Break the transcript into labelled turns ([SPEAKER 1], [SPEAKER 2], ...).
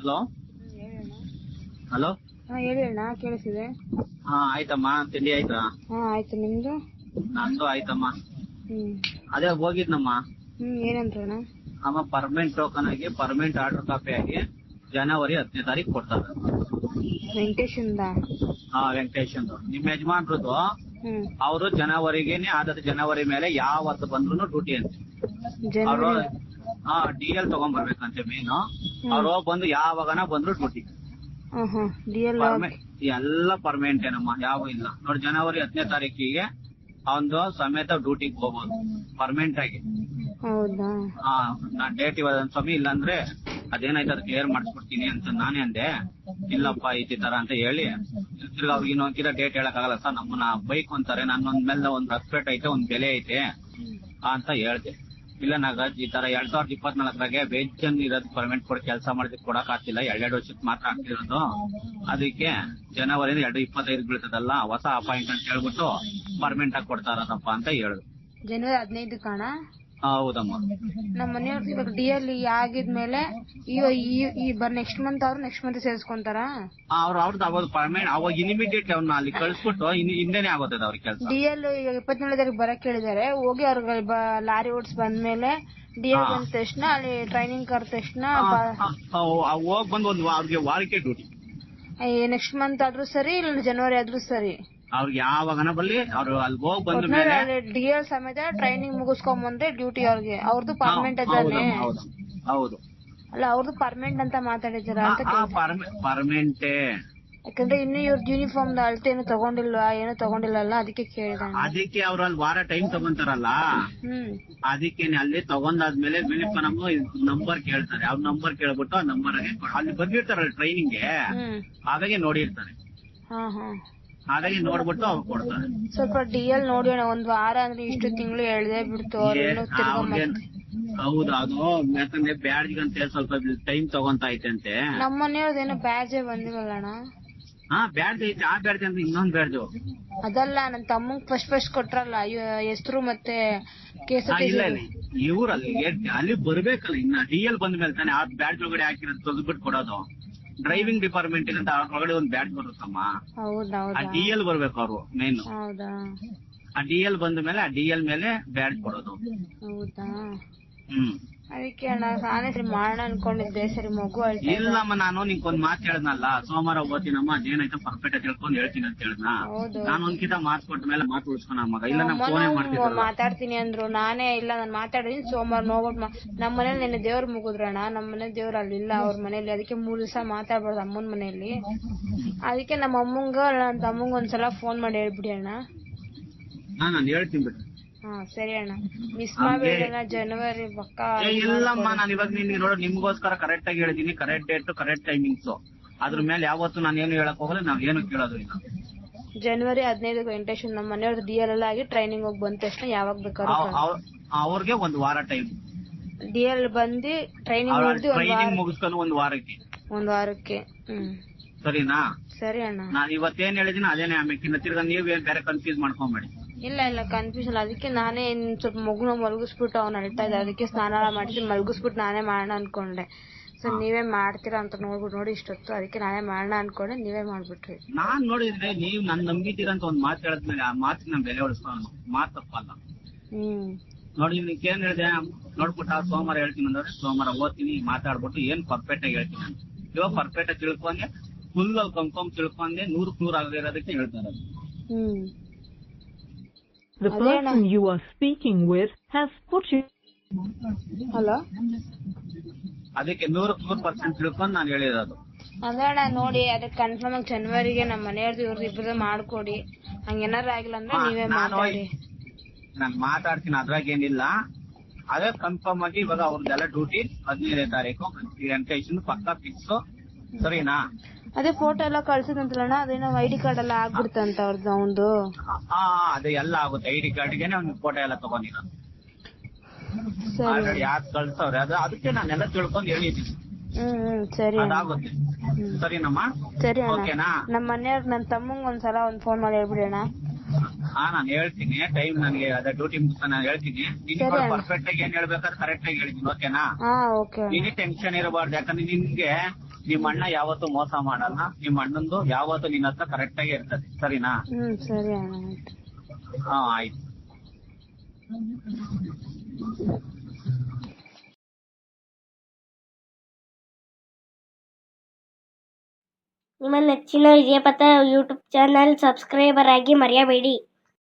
[SPEAKER 1] Hello
[SPEAKER 2] ಹೇಳಣ್ಣ.
[SPEAKER 1] Hello.
[SPEAKER 2] ಹೇಳಿ ಅಣ್ಣ, ಕೇಳಿಸಿದೆ.
[SPEAKER 1] ಆಯ್ತಮ್ಮ, ತಿಂಡಿ ಆಯ್ತಾ?
[SPEAKER 2] ಆಯ್ತು, ನಿಮ್ದು?
[SPEAKER 1] ನಂದು ಆಯ್ತಮ್ಮ. ಅದೇ ಹೋಗಿದ್ನಮ್ಮ.
[SPEAKER 2] ಏನಂದ್ರಣ್ಣ?
[SPEAKER 1] ಅಮ್ಮ ಪರ್ಮನೆಂಟ್ ಟೋಕನ್ ಆಗಿ ಪರ್ಮನೆಂಟ್ ಆರ್ಡರ್ ಕಾಪಿ ಆಗಿ ಜನವರಿ 10ನೇ ತಾರೀಕು ಕೊಡ್ತಾರೆ.
[SPEAKER 2] ವೆಂಕಟೇಶ್
[SPEAKER 1] ವೆಂಕಟೇಶ್ ನಿಮ್ ಯಜಮಾನ್ರದ್ದು. ಅವರು ಜನವರಿಗೇನೆ ಆದದ್ದು, ಜನವರಿ ಮೇಲೆ ಯಾವತ್ತು ಬಂದ್ರು ಡ್ಯೂಟಿ ಅಂತ. ಅವರು DL ತಗೊಂಡ್ಬರ್ಬೇಕಂತೆ ಮೇನು. ಅವ್ರು ಬಂದು ಯಾವಾಗನ ಬಂದ್ರು ಡ್ಯೂಟಿ. ಎಲ್ಲ ಪರ್ಮನೆಂಟ್ ಏನಮ್ಮ, ಯಾವ ಇಲ್ಲ ನೋಡಿ. ಜನವರಿ 10ನೇ ತಾರೀಕಿಗೆ ಅವನು ಸಮೇತ ಡ್ಯೂಟಿಗೆ ಹೋಗ್ಬೋದು ಪರ್ಮನೆಂಟ್ ಆಗಿ.
[SPEAKER 2] ಹೌದಾ?
[SPEAKER 1] ನಾನ್ ಡೇಟ್ ಇವಾಗ ಸ್ವಾಮಿ, ಇಲ್ಲಾಂದ್ರೆ ಅದೇನಾಯ್ತು ಅದು ಕ್ಲಿಯರ್ ಮಾಡಿಸ್ಬಿಡ್ತೀನಿ ಅಂತ ನಾನೇ ಅಂದೆ. ಇಲ್ಲಪ್ಪ ಈ ತರ ಅಂತ ಹೇಳಿ ತಿರ್ಗಿ ಅವ್ರಿಗೆ ಇನ್ನೊಂದ್ಕಿತ ಡೇಟ್ ಹೇಳಕ್ ಆಗಲ್ಲ ಸರ್, ನಮ್ಮನ್ನ ಬೈಕ್ ಅಂತಾರೆ, ನನ್ನೊಂದ್ ಮೇಲೆ ಒಂದ್ ರೆಸ್ಪೆಕ್ಟ್ ಐತೆ, ಒಂದ್ ಬೆಲೆ ಐತೆ ಅಂತ ಹೇಳ್ದೆ. ಇಲ್ಲ ನಾಗರಾಜ್, ಈ ತರ 2024ರಾಗೆ ಬೇಜನ್ ಇರೋದು ಪರ್ಮನೆಂಟ್ ಕೊಡಿ, ಕೆಲಸ ಮಾಡೋದಕ್ಕೆ ಕೊಡಕ್ ಆಗ್ತಿಲ್ಲ, 2 ವರ್ಷಕ್ಕೆ ಮಾತ್ರ ಆಗ್ತಿರೋದು. ಅದಕ್ಕೆ ಜನವರಿ 2025 ಬೀಳ್ತದಲ್ಲ, ಹೊಸ ಅಪಾಯಿಂಟ್ ಅಂತ ಹೇಳ್ಬಿಟ್ಟು ಪರ್ಮನೆಂಟ್ ಆಗಿ ಕೊಡ್ತಾ ಇರೋದಪ್ಪ ಅಂತ ಹೇಳಿದ್ರು.
[SPEAKER 2] ಜನವರಿ 15 ಕಾಣ?
[SPEAKER 1] ಹೌದಮ್ಮ.
[SPEAKER 2] ನಮ್ಮ ಮನೆಯವ್ರು ಇವಾಗ DL ಆಗಿದ್ಮೇಲೆ ನೆಕ್ಸ್ಟ್ ಮಂತ್ ಅವ್ರು ನೆಕ್ಸ್ಟ್ ಮಂತ್ ಸೇರಿಸ್ಕೊಂತಾರ?
[SPEAKER 1] ಅವ್ರದ್ದು ಅವಾಗ ಪರ್ಮನೆಂಟ್, ಅವಾಗ ಇಮಿಡಿಯೇಟ್ ಅವ್ನ ಅಲ್ಲಿ ಕಳಿಸ್ಬಿಟ್ಟು ಹಿಂದೆನೆ ಆಗೋತದ ಅವ್ರಿಗೆ ಕೆಲಸ.
[SPEAKER 2] DL ಈಗ 27 ತಾರೀಕು ಬರಕ್ ಹೇಳಿದಾರೆ. ಹೋಗಿ ಅವ್ರಿಗೆ ಲಾರಿ ಓಡಿಸ್ ಬಂದ್ಮೇಲೆ DL ಬಂದ ತಕ್ಷಣ ಅಲ್ಲಿ ಟ್ರೈನಿಂಗ್ ಕರೆದ ತಕ್ಷಣ
[SPEAKER 1] ಹೋಗ್ ಬಂದು ಅವ್ರಿಗೆ ವಾರಕ್ಕೆ ಡ್ಯೂಟಿ.
[SPEAKER 2] ನೆಕ್ಸ್ಟ್ ಮಂತ್ ಆದ್ರೂ ಸರಿ, ಇಲ್ಲ ಜನವರಿ ಆದ್ರೂ ಸರಿ,
[SPEAKER 1] ಅವ್ರಿಗೆ ಯಾವಾಗನ ಬಲ್ಲಿ ಅವ್ರು ಅಲ್ಲಿ ಹೋಗಿ ಬಂದ ಮೇಲೆ
[SPEAKER 2] DL ಸಮೇತ ಟ್ರೈನಿಂಗ್ ಮುಗಿಸ್ಕೊಂಡ್ ಬಂದ್ರೆ ಡ್ಯೂಟಿ ಅವ್ರಿಗೆ. ಅವ್ರದ್ದು ಪರ್ಮನೆಂಟ್ ಅದಾನೆ?
[SPEAKER 1] ಹೌದು.
[SPEAKER 2] ಅಲ್ಲ, ಅವ್ರದ್ದು ಪರ್ಮನೆಂಟ್ ಅಂತ ಮಾತಾಡಿದಾರ ಅಂತ.
[SPEAKER 1] ಪರ್ಮನೆಂಟೇ,
[SPEAKER 2] ಯಾಕಂದ್ರೆ ಇನ್ನು ಇವ್ರದ್ದು ಯೂನಿಫಾರ್ಮ್ ಅಳತೆ ಏನು ತಗೊಂಡಿಲ್ಲ, ಅದಕ್ಕೆ ಕೇಳಿದ.
[SPEAKER 1] ಅದಕ್ಕೆ ಅವ್ರು ಅಲ್ಲಿ ವಾರ ಟೈಮ್ ತಗೊಂತಾರಲ್ಲ, ಅದಕ್ಕೇನೆ ಅಲ್ಲಿ ತಗೊಂಡಾದ್ಮೇಲೆ ನಮ್ಮ ನಂಬರ್ ಕೇಳ್ತಾರೆ. ಅವ್ರ ನಂಬರ್ ಕೇಳ್ಬಿಟ್ಟು ಆ ನಂಬರ್ ಅಲ್ಲಿ ಬಂದಿರ್ತಾರಲ್ಲ ಟ್ರೈನಿಂಗ್ಗೆ, ಹಾಗಾಗಿ ನೋಡಿರ್ತಾರೆ. ಹಾಗಾಗಿ ನೋಡ್ಬಿಟ್ಟು ಅವ್ರು ಕೊಡ್ತಾರೆ.
[SPEAKER 2] ಸ್ವಲ್ಪ DL ನೋಡಿ ಅಣ್ಣ, ಒಂದ್ ವಾರ ಅಂದ್ರೆ ಇಷ್ಟು ತಿಂಗಳು ಎಳ್ದೇ ಬಿಡ್ತು.
[SPEAKER 1] ಹೌದು, ಅದು ಯಾಕಂದ್ರೆ ಬ್ಯಾಡ್ಜ್ ಅಂತ ಸ್ವಲ್ಪ ಟೈಮ್ ತಗೊಂತ ಐತೆ.
[SPEAKER 2] ನಮ್ಮ ಮನೆಯವ್ರದೇನೋ ಬ್ಯಾಡ್ಜೇ ಬಂದಿರಲ್ಲ ಅಣ್ಣ.
[SPEAKER 1] ಬ್ಯಾಡ್ಜ್ ಐತೆ, ಆ ಬ್ಯಾಡ್ಜ್ ಅಂದ್ರೆ ಇನ್ನೊಂದ್ ಬ್ಯಾಡ್ಜ್.
[SPEAKER 2] ಅದಲ್ಲ, ನನ್ ತಮ್ಮಂಗ್ ಫಸ್ಟ್ ಕೊಟ್ರಲ್ಲ ಹೆಸರು ಮತ್ತೆ
[SPEAKER 1] ಇವ್ರು ಅಲ್ಲಿ ಬರ್ಬೇಕಲ್ಲ. ಇನ್ನ DL ಬಂದ ಮೇಲೆ ತಾನೆ ಆ ಬ್ಯಾಡ್ಜ್ ಒಳಗಡೆ ಹಾಕಿರೋದು ತೆಗೆದ್ಬಿಟ್ಟು ಕೊಡೋದು. ಡ್ರೈವಿಂಗ್ ಡಿಪಾರ್ಟ್ಮೆಂಟ್ ಅಂತ ಒಳಗಡೆ ಒಂದ್ ಬ್ಯಾಡ್ಜ್ ಬರುತ್ತಮ್ಮ. ಆ DL ಬರ್ಬೇಕು ಅವ್ರು ಮೇನ್. ಆ DL ಬಂದ ಮೇಲೆ ಆ DL ಮೇಲೆ ಬ್ಯಾಡ್ಜ್ ಕೊಡೋದು.
[SPEAKER 2] ಹೌದಾ? ಅದಕ್ಕೆ ಅಣ್ಣ ನಾನೇ ಸರಿ ಮಾಡೋಣ ಅನ್ಕೊಂಡಿದ್ದೆ. ಸರಿ, ಮಗು
[SPEAKER 1] ಇಲ್ಲಮ್ಮ, ನಾನು ನಿಂಗೊಂದ್ ಮಾತು ಹೇಳದ್ನಲ್ಲ, ಸೋಮವಾರ ಓದ್ತೀನಮ್ಮ, ಅದೇನಾಯ್ತು ಪರ್ಫೆಕ್ಟ್ ಆಗಿ ತಿಳ್ಕೊಂಡು ಹೇಳ್ತೀನಿ ಅಂತ ಹೇಳಿದ್ನ. ನಾನು ಒಂದ್ಕಿತ ಮಾತು ಕೊಟ್ಟ ಮೇಲೆ ಮಾತು ಉಳಿಸ್ಕೊಳ ಮಗ. ಇಲ್ಲ ನಾ ಫೋನೇ ಮಾಡ್ತೀನಿ,
[SPEAKER 2] ಮಾತಾಡ್ತೀನಿ ಅಂದ್ರು. ನಾನೇ ಇಲ್ಲ, ನಾನು ಮಾತಾಡಿದೀನಿ. ಸೋಮವಾರ ನೋಡ್ಬಿಟ್ಟು ನಮ್ಮ ಮನೇಲಿ ನೆನ್ನೆ ದೇವ್ರ ಮುಗಿದ್ರಣ್ಣ. ನಮ್ಮ ಮನೆ ದೇವ್ರ ಅಲ್ಲಿ ಇಲ್ಲ, ಅವ್ರ ಮನೇಲಿ. ಅದಕ್ಕೆ 3 ದಿವಸ ಮಾತಾಡ್ಬಾರ್ದು ಅಮ್ಮನ ಮನೇಲಿ. ಅದಕ್ಕೆ ನಮ್ಮ ಅಮ್ಮಂಗ ನನ್ನ ತಮ್ಮಂಗ ಒಂದ್ಸಲ ಫೋನ್ ಮಾಡಿ ಹೇಳ್ಬಿಡಿ ಅಣ್ಣ.
[SPEAKER 1] ನಾನು ಹೇಳ್ತೀನಿ ಬಿಟ್ಟು.
[SPEAKER 2] ಸರಿ ಅಣ್ಣ, ಮಿಸ್ ಮಾಡ್ಬೇಡ ಜನವರಿ ಪಕ್ಕ.
[SPEAKER 1] ಇಲ್ಲಮ್ಮ, ನಾನು ಇವಾಗ ನಿಮ್ಗೋಸ್ಕರ ಕರೆಕ್ಟ್ ಆಗಿ ಹೇಳಿದೀನಿ. Correct date, correct timings. ಅದ್ರ ಮೇಲೆ ಯಾವತ್ತು ನಾನು ಏನು ಹೇಳಕ್ ಹೋಗಲ್ಲ, ನಾವ್ ಏನು ಕೇಳೋದು ಇಲ್ಲ.
[SPEAKER 2] ಜನವರಿ 15 ವೆಂಕಟೇಶ್ ನಮ್ಮ ಮನೆಯವ್ರದ್ದು DL ಎಲ್ಲ ಆಗಿ ಟ್ರೈನಿಂಗ್ ಹೋಗಿ ಬಂದ ತಕ್ಷಣ ಯಾವಾಗ ಬೇಕಾದ್ರೂ
[SPEAKER 1] ಅವ್ರಿಗೆ 1 ವಾರ ಟೈಮ್.
[SPEAKER 2] DL ಬಂದು ಟ್ರೈನಿಂಗ್
[SPEAKER 1] ಮುಗಿಸ್ಕೊಂಡು 1 ವಾರಕ್ಕೆ.
[SPEAKER 2] 1 ವಾರಕ್ಕೆ.
[SPEAKER 1] ಸರಿನಾ?
[SPEAKER 2] ಸರಿ ಅಣ್ಣ.
[SPEAKER 1] ನಾನು ಇವತ್ತೇನ್ ಹೇಳಿದೀನಿ ಅದೇನೇ. ಆಮೇಲೆ ತಿರ್ಗಾ ನೀವೇನ್ ಬೇರೆ ಕನ್ಫ್ಯೂಸ್ ಮಾಡ್ಕೊಂಬೇಡಿ.
[SPEAKER 2] ಇಲ್ಲ ಕನ್ಫ್ಯೂಷನ್. ಅದಕ್ಕೆ ನಾನೇ ಸ್ವಲ್ಪ ಮಗುನ ಮಲಗಿಸ್ಬಿಟ್ಟು ಅವ್ನು ಅಳ್ತಾ ಇದ್ದ, ಅದಕ್ಕೆ ಸ್ನಾನ ಮಾಡಿಸಿ ಮಲಗಿಸ್ಬಿಟ್ಟು ನಾನೇ ಮಾಡೋಣ ಅನ್ಕೊಂಡೆ. ಸೊ ನೀವೇ ಮಾಡ್ತೀರಾ ಅಂತ ನೋಡಿ ಇಷ್ಟೊತ್ತು, ಅದಕ್ಕೆ ನಾನೇ ಮಾಡೋಣ ಅನ್ಕೊಂಡೆ, ನೀವೇ ಮಾಡ್ಬಿಟ್ರಿ.
[SPEAKER 1] ನಾನ್ ನೋಡಿದ್ರೆ ನೀವ್ ನನ್ ನಂಬಿದ್ದೀರ ಅಂತ ಒಂದ್ ಮಾತು ಹೇಳಿದ್ಮೇಲೆ ಆ ಮಾತಿಗೆ ನಮ್ ಬೆಲೆ ಉಳಿಸ್ಕೊಳ್ಳೋಣ. ಮಾತು ತಪ್ಪಲ್ಲ. ನೋಡಿ, ನಿಮ್ಗೆ ಏನ್ ಹೇಳಿದೆ ನೋಡ್ಬಿಟ್ಟು ಸೋಮವಾರ ಹೇಳ್ತೀನಿ ಅಂದ್ರೆ ಸೋಮವಾರ ಓದ್ತೀನಿ, ಮಾತಾಡ್ಬಿಟ್ಟು ಏನ್ ಪರ್ಫೆಕ್ಟ್ ಆಗಿ ಹೇಳ್ತೀನಿ ಅಂತ. ಇವಾಗ ಪರ್ಫೆಕ್ಟ್ ಆಗಿ ತಿಳ್ಕೊಂಡೆ, ಫುಲ್ ಕನ್ಫರ್ಮ್ ತಿಳ್ಕೊಂಡೆ, 100% ಆಗಿರೋದಕ್ಕೆ ಹೇಳ್ತಾರೆ.
[SPEAKER 3] The person you are speaking with has put you.
[SPEAKER 2] Hello.
[SPEAKER 1] ಅದಕ್ಕೆ 100% ತಿಳ್ಕೊಂಡು ನಾನು ಹೇಳಿರೋದು.
[SPEAKER 2] ಅದಣ್ಣ ನೋಡಿ, ಅದಕ್ಕೆ ಕನ್ಫರ್ಮ್ ಆಗಿ ಜನವರಿಗೆ ನಮ್ಮ ಮನೆಯವ್ರದ್ದು ಇವ್ರದ್ದು ಇಬ್ಬರದ್ದು ಮಾಡ್ಕೊಡಿ. ಹಂಗೇನಾರು ಆಗಿಲ್ಲ ಅಂದ್ರೆ ನೀವೇ ಮಾತಾಡಿ.
[SPEAKER 1] ನಾನು ಮಾತಾಡ್ತೀನಿ, ಅದ್ರಾಗ ಏನಿಲ್ಲ. ಅದೇ ಕನ್ಫರ್ಮ್ ಆಗಿ ಇವಾಗ ಅವ್ರದ್ದೆಲ್ಲ ಡ್ಯೂಟಿ 15ನೇ ತಾರೀಕು ವೆಂಕಟೇಶನ್ ಪಕ್ಕ ಫಿಕ್ಸ್. ಸರಿನಾ?
[SPEAKER 2] ಅದೇ ಫೋಟೋ ಎಲ್ಲ ಕಳ್ಸಿದಂತಲ್ಲ, ಅದೇನೋ ID ಕಾರ್ಡ್ ಎಲ್ಲ ಆಗ್ಬಿಡ್ತಂತ ಅವ್ರದ್ದು ಅವಂದು.
[SPEAKER 1] ಅದೇ ಎಲ್ಲ ಆಗುತ್ತೆ. ID ಕಾರ್ಡ್ಗೆನೆ ಅವ್ನ ಫೋಟೋ ಎಲ್ಲ ತಗೊಂಡಿರೋದು. ಯಾರು ಕಳ್ಸವ್ರೆ ಅದಕ್ಕೆ ನಾನೆಲ್ಲ ತಿಳ್ಕೊಂಡು ಹೇಳಿದ್ದೀನಿ.
[SPEAKER 2] ಸರಿ,
[SPEAKER 1] ಅದಾಗುತ್ತೆ. ಸರಿನಮ್ಮ?
[SPEAKER 2] ಸರಿ
[SPEAKER 1] ಓಕೆನಾ?
[SPEAKER 2] ನಮ್ಮ ಮನೆಯವ್ರ ನನ್ನ ತಮ್ಮಂಗ್ ಒಂದ್ಸಲ ಫೋನ್ ಮಾಡಿ ಹೇಳ್ಬಿಡೋಣ.
[SPEAKER 1] ನಾನು ಹೇಳ್ತೀನಿ. ಟೈಮ್ ನನಗೆ ಅದೇ ಡ್ಯೂಟಿ ಮುಗಿಸ್ತಾ ನಾನು ಹೇಳ್ತೀನಿ. ಪರ್ಫೆಕ್ಟ್ ಆಗಿ ಏನ್ ಹೇಳ್ಬೇಕಾದ್ರೆ ಕರೆಕ್ಟ್ ಆಗಿ ಹೇಳ್ತೀನಿ. ಓಕೆನಾ?
[SPEAKER 2] ಓಕೆ.
[SPEAKER 1] ನೀನು ಟೆನ್ಷನ್ ಇರಬಾರ್ದು. ಯಾಕಂದ್ರೆ ನಿನ್ಗೆ ನಿಮ್ಮ ಅಣ್ಣ ಯಾವತ್ತೂ ಮೋಸ ಮಾಡಲ್ಲ. ನಿಮ್ಮ ಅಣ್ಣಂದು ಯಾವತ್ತೂ ನಿನ್ನ ಹತ್ರ ಕರೆಕ್ಟ್ ಆಗಿ ಇರ್ತದೆ. ಸರಿನಾ?
[SPEAKER 2] ಸರಿ ಅಣ್ಣ ಆಯ್ತು.
[SPEAKER 1] ಹಾ ಆಯ್ತು.
[SPEAKER 4] ನಿಮ್ಮ ನೆಚ್ಚಿನ ವಿಜಯಪಥ ಯೂಟ್ಯೂಬ್ ಚಾನಲ್ ಸಬ್ಸ್ಕ್ರೈಬರ್ ಆಗಿ ಮರೆಯಬೇಡಿ.